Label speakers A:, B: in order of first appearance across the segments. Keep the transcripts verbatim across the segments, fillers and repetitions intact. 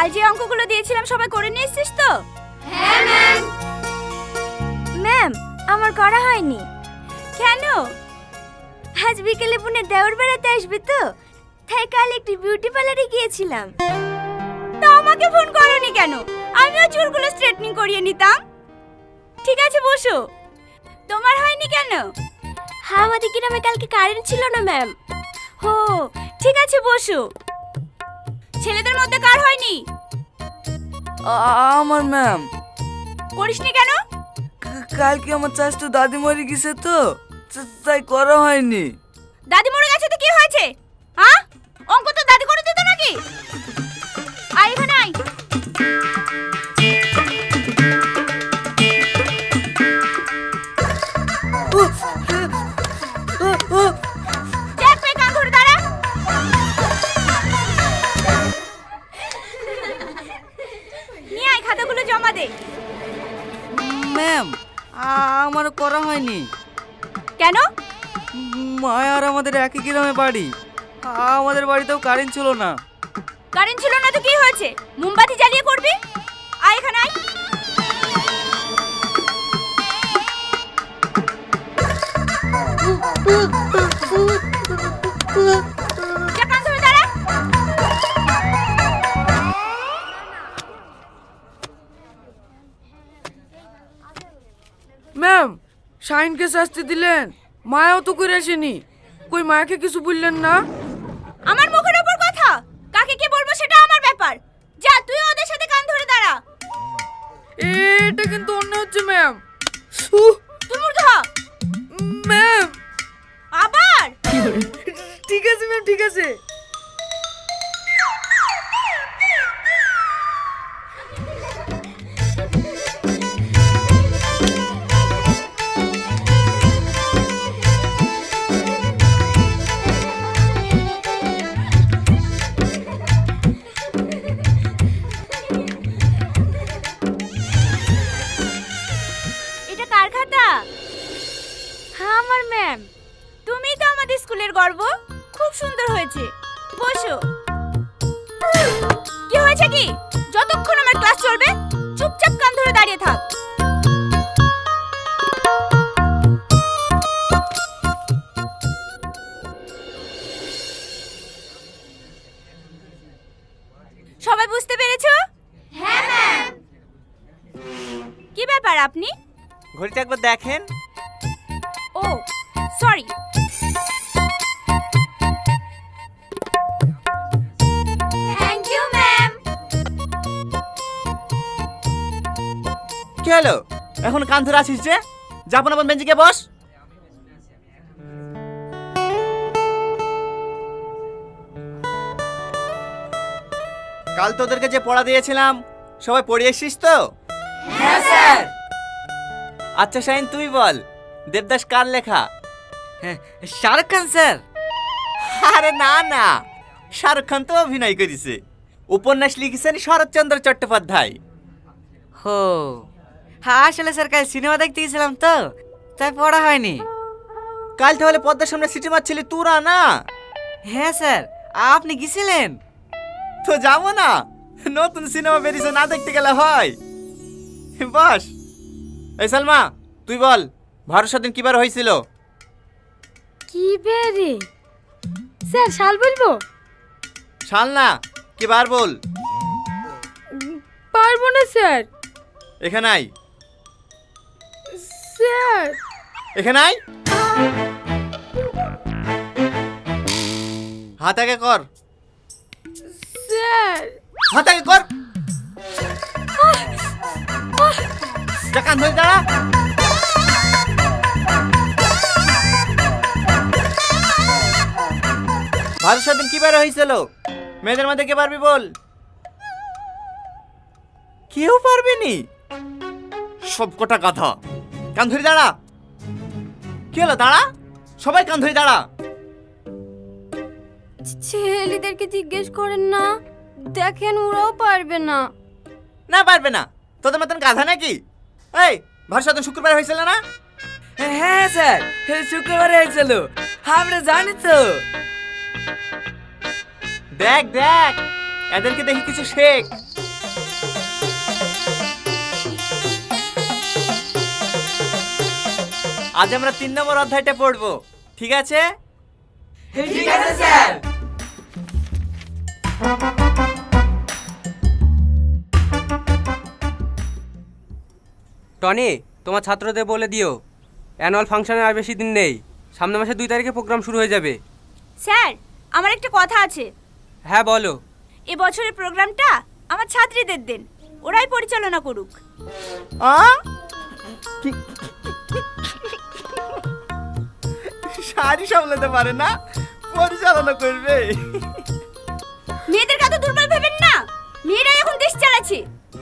A: কাল যে অঙ্কগুলো দিয়েছিলাম সবাই করে নিয়ে এসেছিস তো?
B: হ্যাঁ ম্যাম।
A: ম্যাম, আমার করা হয়নি। কেন? আজ বিকেলে বোনের দেওর বেড়াতে আসবে তো, তাই কাল একটি বিউটি পার্লারে গিয়েছিলাম। তা আমাকে ফোন করোনি কেন? আমিও চুলগুলো স্ট্রেটনিং করিয়ে নিতাম। ঠিক আছে বসো। তোমার হয়নি কেন? হ্যাঁ, আমাদের গ্রামে কালকে কারেন্ট ছিল না ম্যাম। হো, ঠিক আছে বসো। ছেলেদের মধ্যে কার হয়নি?
C: আমার ম্যাম।
A: করিসনি কেন?
C: কালকে আমার চাচতো দাদি মরে গেছে তো, তাই করা হয়নি।
A: দাদি মরে গেছে তো কি হয়েছে? হ্যাঁ, অঙ্ক তো দাদি করে দিত নাকি? আয় এখানে আয়। দেখ পেয়ে কান ধরে দাঁড়া। নিয়ে আয়, খাতাগুলো জমা দে।
C: ম্যাম, আমার করা হয়নি।
A: কেন?
C: মায়া আর আমাদের একই গ্রামে বাড়ি, আমাদের বাড়িতেও কারেন্ট ছিল না।
A: কারেন্ট ছিল না তো কি হয়েছে? মোমবাতি জ্বালিয়ে করবি। আয় এখানে আয়। যা, কান ধরে দাঁড়া।
C: ম্যাম, শাইনকে শাস্তি দিলেন, মায়াও তো করে আসেনি। কই মায়াকে কিছু বললেন না?
A: আমার মুখের উপর কথা, কাকে কি বলবো সেটা আমার ব্যাপার। যা, তুই ওদের সাথে কান ধরে দাঁড়া।
C: এটা কিন্তু অন্য হচ্ছে ম্যাম।
A: তুই মূর্খ হ।
C: ম্যাম,
A: আবার?
C: ঠিক আছে ম্যাম, ঠিক আছে।
A: এটা কার খাতা? হ্যাঁ, আমার ম্যাম। তুমিই তো আমাদের স্কুলের গর্ব। খুব সুন্দর হয়েছে। বসো। কি হয়েছে কি? যতক্ষণ আমার ক্লাস চলবে চুপচাপ কান ধরে দাঁড়িয়ে থাক। সবাই বুঝতে পেরেছো?
B: হ্যাঁ ম্যাম।
A: কি ব্যাপার আপনি?
D: ঘড়িটা একবার দেখেন।
A: ও সরি।
B: Thank you ma'am.
D: কি হলো? এখন কান ধরে আসিস যে? যাবো না, বেঞ্চিকে বস। কাল তোদেরকে যে পড়া দিয়েছিলাম সবাই পড়ে এসেছিস তো?
B: হ্যাঁ স্যার।
D: আচ্ছা শাহিন, তুই বল, দেবদাস কার লেখা?
C: শাহরুখ খান স্যার।
D: আরে না না, শাহরুখ খান তো অভিনয় করেছে। উপন্যাস লিখেছেন শরৎচন্দ্র চট্টোপাধ্যায়।
C: হো, হ্যাঁ আসলে স্যার কাল সিনেমা দেখতে গেছিলাম তো, তাই পড়া হয়নি।
D: কাল তাহলে পদ্মার সামনে সিটি মারছিলি তোরা না?
C: হ্যাঁ স্যার, আপনি গেছিলেন?
D: তো যাবো না, নতুন সিনেমা বেরিয়েছে, না দেখতে গেলে হয়? বস। এই সালমা, তুই বল, ভারত স্বাধীন কিবার হয়েছিল?
A: কি বেরে? স্যার শাল বলবো?
D: সাল না, কিবার বল।
A: পারবো না স্যার।
D: এখানে আয়।
A: স্যার
D: এখানে আয়। হাত আগে কর।
A: স্যার
D: হাত আগে কর। যা, কান ধরে দাঁড়া। ভারত স্বাধীন কিবার হয়েছিল? মেয়েদের মধ্যে কে পারবি বল? কেউ পারবে নি? সব কটা কথা। কান ধরে দাঁড়া। কি হলো? দাঁড়া, সবাই কান ধরে দাঁড়া।
A: ছেলেদেরকে জিজ্ঞেস করেন না, দেখেন ওরাও পারবে না।
D: না পারবে না? তোদের মতন গাধা নাকি? এই, ভারত স্বাধীন শুক্রবার হয়েছিল না?
C: হ্যাঁ স্যার, শুক্রবারে হয়েছিল, আমরা জানি তো।
D: দেখ দেখ, এদেরকে দেখি কিছু শেখ। আজ আমরা তিন নম্বর অধ্যায়টা পড়বো, ঠিক আছে?
B: ঠিক আছে স্যার।
E: টনি, তোমার ছাত্রদের বলে দিও অ্যানুয়াল ফাংশনের আর বেশি দিন নেই, সামনের মাসে দুই তারিখে প্রোগ্রাম শুরু হয়ে যাবে।
A: স্যার, আমার একটা কথা আছে।
E: হ্যাঁ বলো।
A: এ বছরের প্রোগ্রামটা আমার ছাত্রীদের দেন, ওরাই পরিচালনা করুক।
D: আ? শাড়ি সামলাতে পারে না, পরিচালনা করবে?
A: মেয়েদের কত দুর্বল ভেবেন না, মেয়েরাই এখন দেশ চালাচ্ছে।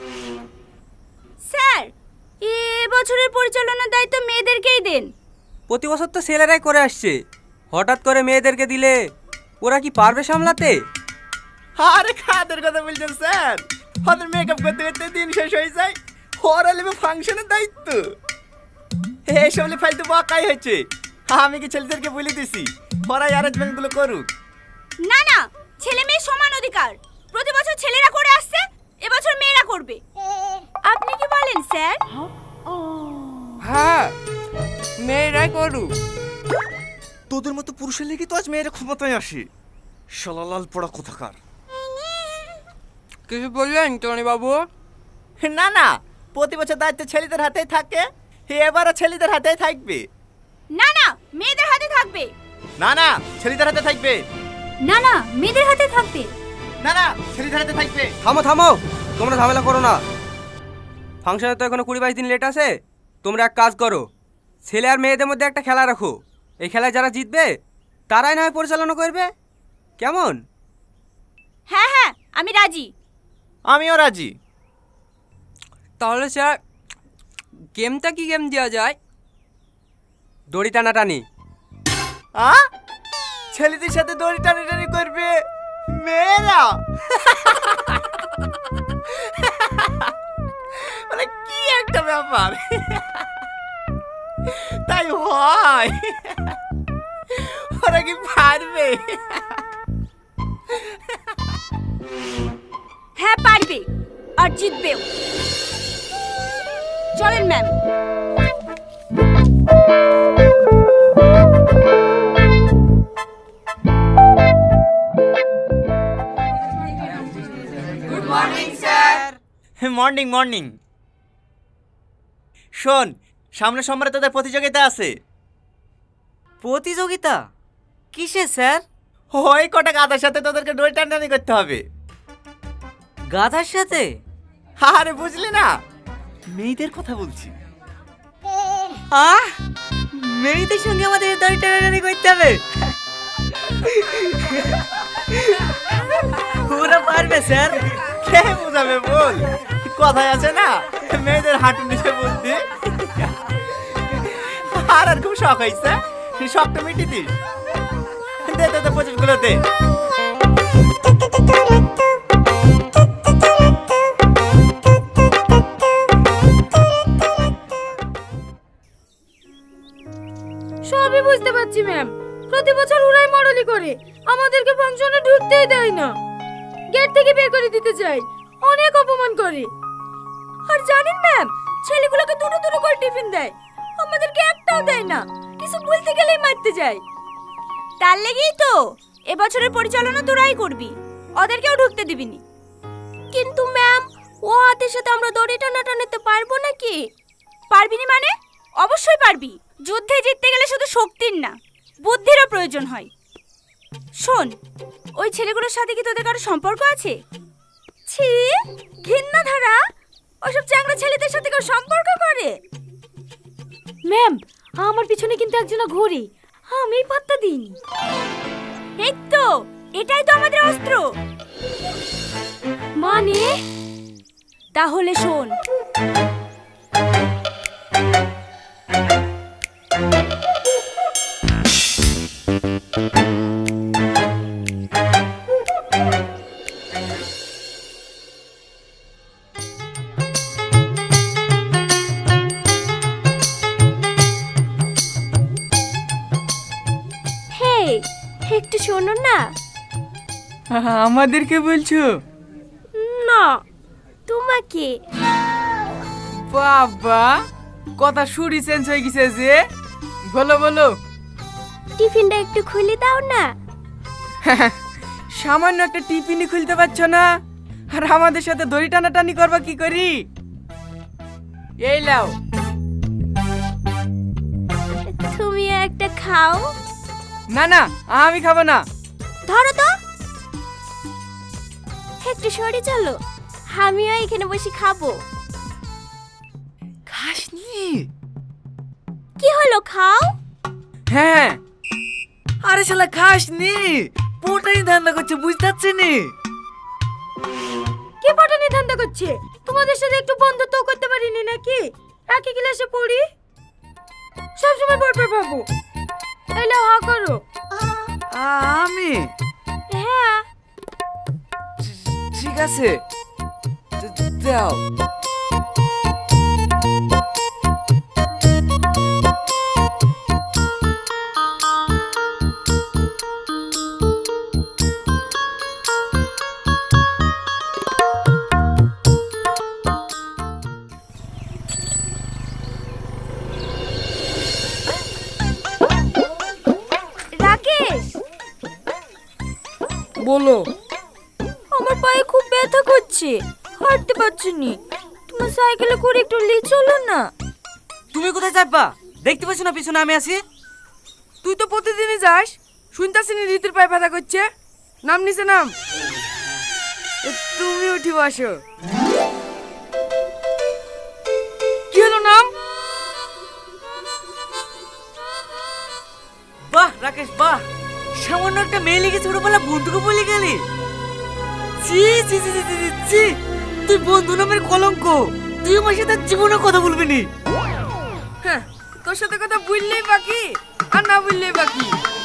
A: স্যার, এ বছরের পরিচালনার দায়িত্ব মেয়েদেরকেই দেন।
E: প্রতি বছর তো ছেলেরাই করে আসছে, হঠাৎ করে মেয়েদেরকে দিলে ওরা কি পারবে সামলাতে?
D: আরে খাদের কথা বলছেন স্যার, ওদের মেকআপ করতে করতে দিন শেষ হয়ে যায়, ওরা নেবে ফাংশনের দায়িত্ব। এইসব হলে ফালতু বকাই হচ্ছে। আমি কি ছেলেদেরকে বলে দিছি ওরা অ্যারেঞ্জমেন্ট গুলো করুক?
A: না না, ছেলে মেয়ে সমান অধিকার। প্রতি বছর ছেলেরা করে আসছে, এবছর মেয়েরা করবে। আপনি কি বলেন স্যার?
E: হ্যাঁ, মেয়েরাই করুক।
D: তোদের মতো পুরুষের লেগে তো আজ মেয়েরা ক্ষমতায় আসে। শালালাল পড়া কোথাকার।
E: কিছু বললেন টনি বাবু?
D: না না, প্রতি বছর দায়িত্ব ছেলেদের হাতেই থাকে, এবারও ছেলেদের হাতেই থাকবে।
A: না না, মেয়েদের হাতে থাকবে।
D: না না, ছেলেদের হাতে থাকবে।
A: না না, মেয়েদের হাতে থাকবে।
D: না না, ছেলেদের হাতে থাকবে।
E: থামো থামো, তোমরা ঝামেলা করো না। ফাংশনে তো এখনো কুড়ি বাইশ দিন লেট আছে। তোমরা এক কাজ করো, ছেলে আর মেয়েদের মধ্যে একটা খেলা রাখো। এই খেলায় যারা জিতবে তারাই না হয় পরিচালনা করবে, কেমন?
A: হ্যাঁ হ্যাঁ, আমি রাজি।
D: আমিও রাজি।
E: তাহলে স্যার, গেমটা কি গেম দেওয়া যায়? দড়ি টানাটানি।
D: আ? ছেলেদের সাথে দড়ি টানাটানি করবে মেয়েরা? মানে কি একটা ব্যাপার। তাই হয়? ওরা কি পারবে?
A: হ্যাঁ পারবে, আর জিতবেও। চলেন ma'am.
B: Good morning sir.
D: Morning morning. শোন, সামনে সোমবারে তোদের প্রতিযোগিতা আছে।
C: প্রতিযোগিতা কিসে স্যার?
D: ওই কটা গাধার সাথে তোদেরকে দড়ি টানাটানি করতে হবে।
C: গাধার সাথে?
D: আরে বুঝলি না, মেয়েদের কথা বলছি।
C: আহ, মেয়েদের সঙ্গে আমাদের দড়ি টানাটানি করতে হবে? ওরা পারবে স্যার?
D: কে বোঝাবে বল? কথায় আছে না, মেয়েদের হাঁটু নিচে বলতে। আর আর খুব শখ হয়েছে, শখটা মিটি দিস। দে দে দে, পঁচিশ গুলো দে।
A: সবই বুঝতে পারছি ম্যাম, প্রতি বছর ওরাই মডেলি করে, আমাদেরকে ফাংশনে ঢুকতেই দেয় না, গেট থেকে বের করে দিতে চাই, অনেক অপমান করে। আর জানেন ম্যাম, ছেলেগুলোকে দুটো দুটো করে টিফিন দেয়, আমাদেরকে একটাও দেয় না, কিছু বলতে গেলেই মারতে যায়। তার লেগেই তো এবছরের পরিচালনা তোরাই করবি, ওদেরকেও ঢুকতে দিবিনি। কিন্তু ম্যাম, ও হাতের সাথে আমরা দড়ি টানাটানিতে পারবো নাকি? পারবি না মানে? অবশ্যই পারবি। যুদ্ধে জিততে গেলে শুধু শক্তির না, বুদ্ধিরও প্রয়োজন হয়। শোন, ওই ছেলেগুলোর সাথে কি তোদের কারো সম্পর্ক আছে? ছি, ঘৃণা ধারা, ওসব চ্যাংড়া ছেলেদের সাথে কেউ সম্পর্ক করে? ম্যাম, আমার পিছনে কিন্তু একজন ঘুরে, আমি পাত্তা দিইনি। এই তো, এটাই তো আমাদের অস্ত্র। মানে? তাহলে শোন, একটু শোনো না।
C: আমাদেরকে বলছো?
A: না, তোমাকে।
C: বাবা, কথা শুরি চেঞ্জ হয়ে গেছে যে।
F: বলো বলো।
A: টিফিনটা একটু খুলে দাও না।
F: সামান্য একটা টিফিনই খুলতে পারছো না, আর আমাদের সাথে দড়ি টানাটানি করবা কি করি? এই লাও।
A: তুমিও একটা খাও।
F: না না, আমি খাবো না।
A: ধরো তো, একটু সরে চলো, আমিও এখানে বসে খাবো।
F: খাসনি?
A: কি হলো, খাও।
F: হ্যাঁ। আরে শালা খাসনি, পোটাই ধান্দা করছে, বুঝতে পারছি নি।
A: কে পটানি ধান্দা করছে? তোমাদের সাথে একটু বন্ধুত্ব করতে পারিনি নাকি? একই ক্লাসে পড়ি, সবসময় পড়বার ভাবো। এলে হা করো।
F: আমি?
A: হ্যাঁ।
F: ঠিক আছে, দাও।
A: রাকেশ,
F: বলো।
A: আমার পায়ে খুব ব্যথা করছে, হাঁটতে পারছি নি। তোমার সাইকেলে করে একটু নিয়ে চলো না।
C: তুমি কোথায় যাবা? দেখতে পাচ্ছ না পিছনে আমি আছি?
F: তুই তো প্রতিদিনই যাস, শুনতাছি নি রীতির পায়ে ব্যথা করছে। নাম নিচে নাম। এ, তুমি উঠি বসো। কি হলো নাম?
C: বাহ রাকেশ বাহ, সামান্য একটা মেয়ে লিখে ছোটবেলা বন্ধুকে বলে গেলি। ছি ছি ছি ছি, ছি, ছি, ছি। তুই বন্ধু নামের কলঙ্ক, তুই আমার সাথে জীবনে কথা বলবি নি।
F: হ্যাঁ, তোর সাথে কথা বললেই বাকি, আর না বললেই বাকি।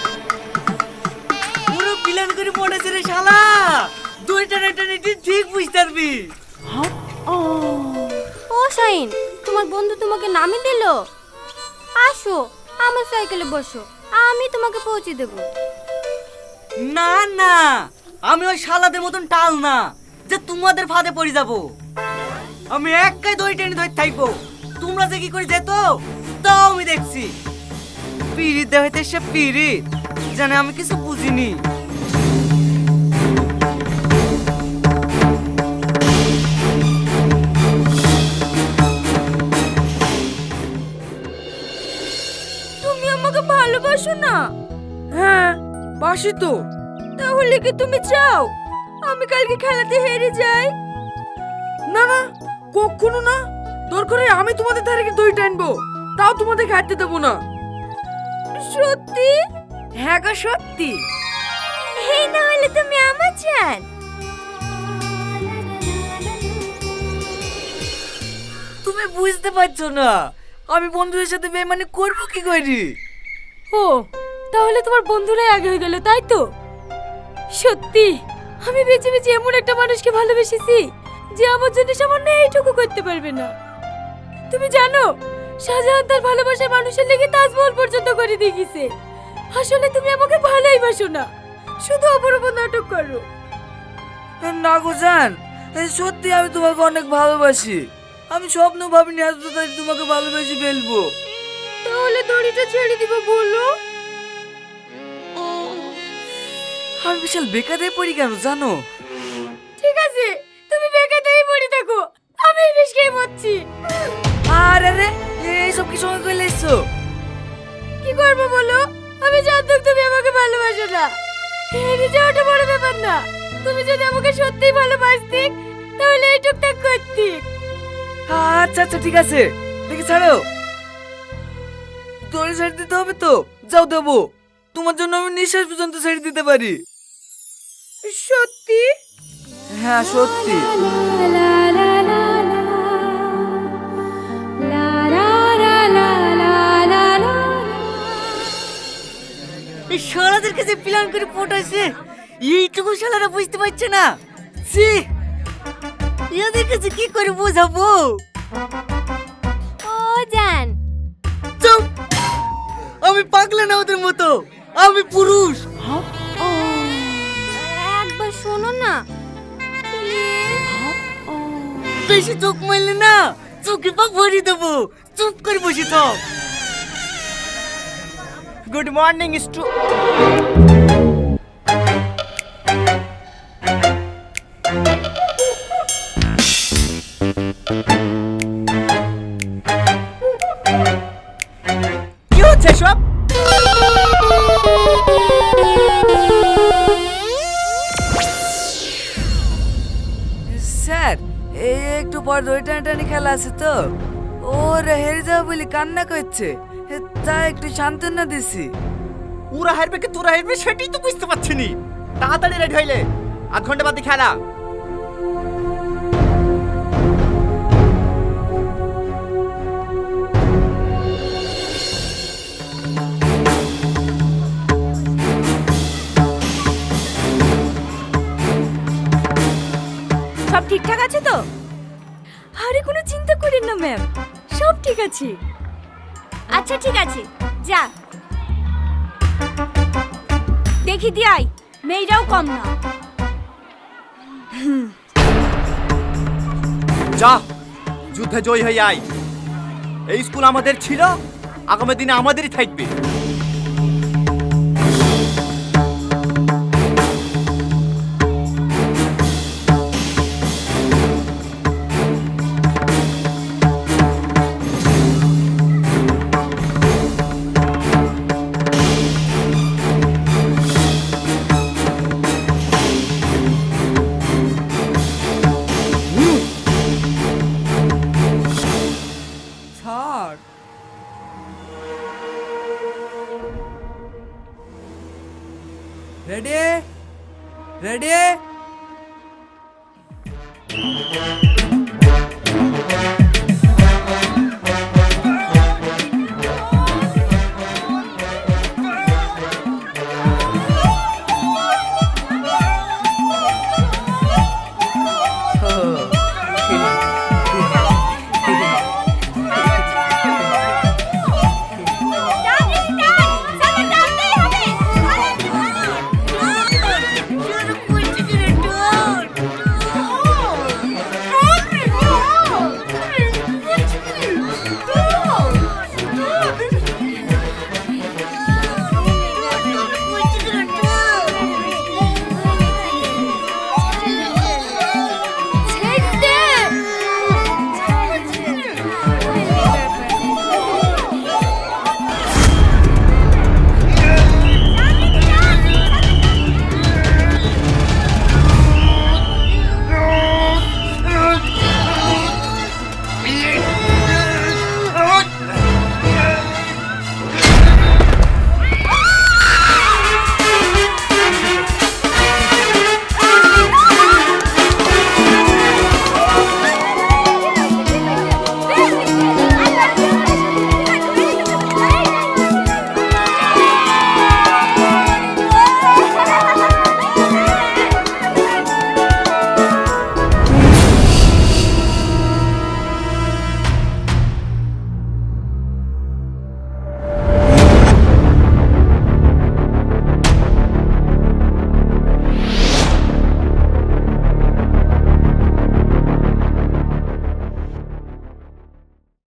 C: পুরো প্ল্যান করে পড়েছে রে শালা, দুই টানা টানি তুই ঠিক বুঝতে পারবি।
A: ও শাইন, তোমার বন্ধু তোমাকে নামই দিল। আসো আমার সাইকেলে বসো, আমি তোমাকে পৌঁছে দেব।
C: না না, আমি ওই শালাদের মতন টাল না যে তোমাদের ফাঁদে পড়ে যাব। আমি একাই দই টেনে ধরে থাকবো, তোমরা যে কি করে যেত তাও আমি দেখছি। পিরিত দেখাইতে সে পিরিত জানে, আমি কিছু বুঝিনি।
A: তুমি আমাকে ভালোবাসো না?
F: হ্যাঁ, বাসি তো।
A: তাহলে কি তুমি চাও আমি কালকে খেলাতে হেরে যাই?
F: না না, কখনো না। দরকার হয় আমি তোমাদের ধারে গিয়ে দই টানবো, তাও তোমাদের খাইতে দেবো না।
A: সত্যি?
F: হ্যাঁ গো সত্যি।
A: এই না হলে তুমি আমার জান।
C: তুমি বুঝতে পারছো না আমি বন্ধুদের সাথে বেমানি করবো কি করি?
A: ও, তাহলে তোমার বন্ধুরাই আগে হয়ে গেল, তাই তো? সত্যি আমি বেঁচে বেঁচে এমন একটা মানুষকে ভালোবেসেছি যে আমার জন্য সামান্য এইটুকু করতে পারবে না। তুমি জানো শাহজাহান তার ভালোবাসার মানুষের লেগে তাজমহল পর্যন্ত করে দিয়ে গেছে। আসলে তুমি আমাকে ভালোই বাসো না, শুধু অপর উপর নাটক করো।
F: না গো জান, সত্যি আমি তোমাকে অনেক ভালোবাসি। আমি স্বপ্ন ভাবিনি আজ তো তাই তোমাকে ভালোবেসে ফেলবো।
A: তাহলে দড়িটা ছেড়ে দিব বলো।
F: আমি বিশাল বেকারে পড়ি কেন জানো?
A: ঠিক আছে, তুমি বেকারই পড়ে থাকো, আমি এই বিষ খেয়ে মরছি।
F: আরে রে, এইসব কি সঙ্গে করে এসছো?
A: কি করবো বলো? আমি জানতাম তুমি আমাকে ভালোবাসো না। হেরে যাওয়াটা বড় ব্যাপার না, তুমি যদি আমাকে সত্যিই ভালোবাসতে তাহলে এই টুকটাক করতে।
F: আচ্ছা আচ্ছা ঠিক আছে, দেখি ছাড়ো। দড়ি ছেড়ে দিতে হবে তো? যাও দেবো, তোমার জন্য আমি নিঃশ্বাস পর্যন্ত ছেড়ে দিতে পারি।
A: সত্যি?
F: হ্যাঁ সত্যি।
C: এই শালাদের কাছে প্ল্যান করে পটাইছে, এইটুকু শালারা বুঝতে পারছে না। ছি, এদের কাছে কি করে বোঝাবো?
A: ও জান,
C: চুপ, আমি পাগলা না ওদের মতো, আমি পুরুষ।
A: একবার শোনো না।
C: বেশি চোখ মারলে না চোখে পা ভরিয়ে দেবো, চুপ করে বসে থাক।
D: গুড মর্নিং স্টু কি হচ্ছে সব?
F: স্যার এই একটু পর দই টানাটানি খেলা আছে তো ওর হেরে যাবে বলে কান্না করছে তাই একটু সান্ত্বনা দিছি।
D: ওরা হারবে কি তোরা হারবে সেটাই তো বুঝতে পারছি নি। তাড়াতাড়ি রেডি হইলে আধ ঘন্টা বাদে খেলা।
A: সব ঠিকঠাক আছে তো? আরে কোনো চিন্তা করেন না ম্যাম, সব ঠিক আছে। আচ্ছা ঠিক আছে, যা দেখি দিয়াই, মেয়েরাও কম না।
D: যা যুদ্ধে জয় হয়ে আয়। এই স্কুল আমাদের ছিল, আগামী দিনে আমাদেরই থাকবে।
F: Sir ready ready